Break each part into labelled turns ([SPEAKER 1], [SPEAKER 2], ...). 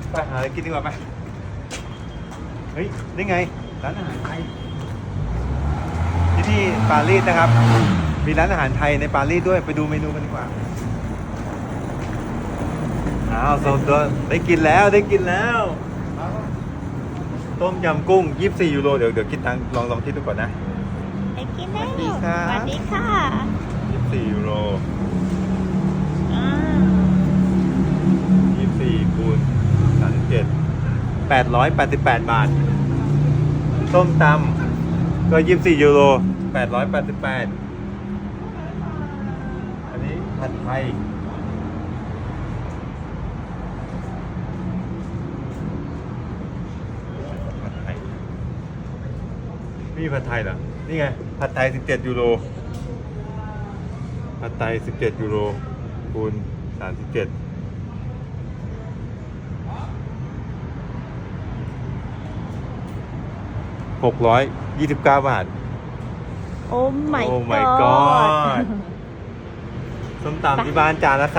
[SPEAKER 1] ไปหาอะไรกินดีกว่าไปเฮ้ยนี่ไงร้านอาหารไทยที่ปารีสนะครับมีร้านอาหารไทยในปารีสด้วยไปดูเมนูกันดีกว่าอ้าวโซนตัวได้กินแล้วต้มยำกุ้ง24ยูโรเดี๋ยวคิดตังค์ลองคิดดูก่อนนะ
[SPEAKER 2] ไปกินแล้ว
[SPEAKER 1] สวัสดีครับ
[SPEAKER 2] สวัสดีค่ะ
[SPEAKER 1] 24ยูโร
[SPEAKER 2] อ่า
[SPEAKER 1] 24คูณ37 888 บาทส้มตำก็24ยูโร888อันนี้ผัดไทยนี่ผัดไทยเหรอ นี่ไง ผัดไทย17ยูโรผัดไทย17ยูโรคูณ37 629 บาท
[SPEAKER 2] โอ้ my
[SPEAKER 1] โอ้ my
[SPEAKER 2] god
[SPEAKER 1] god ส้มตำที่บ้านจานละ 35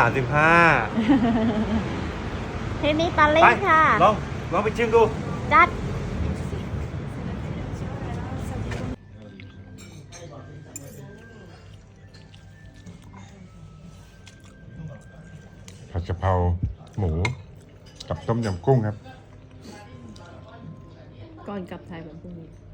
[SPEAKER 2] ที่นี่ปารี
[SPEAKER 1] ไป
[SPEAKER 2] สค่ะ
[SPEAKER 1] ลองไปชิมดู
[SPEAKER 2] จัด
[SPEAKER 3] ผัดกะเพราหมูกับต้มยำกุ้งครับ
[SPEAKER 2] ก่อนกลับไทยแบบพรุ่งนี้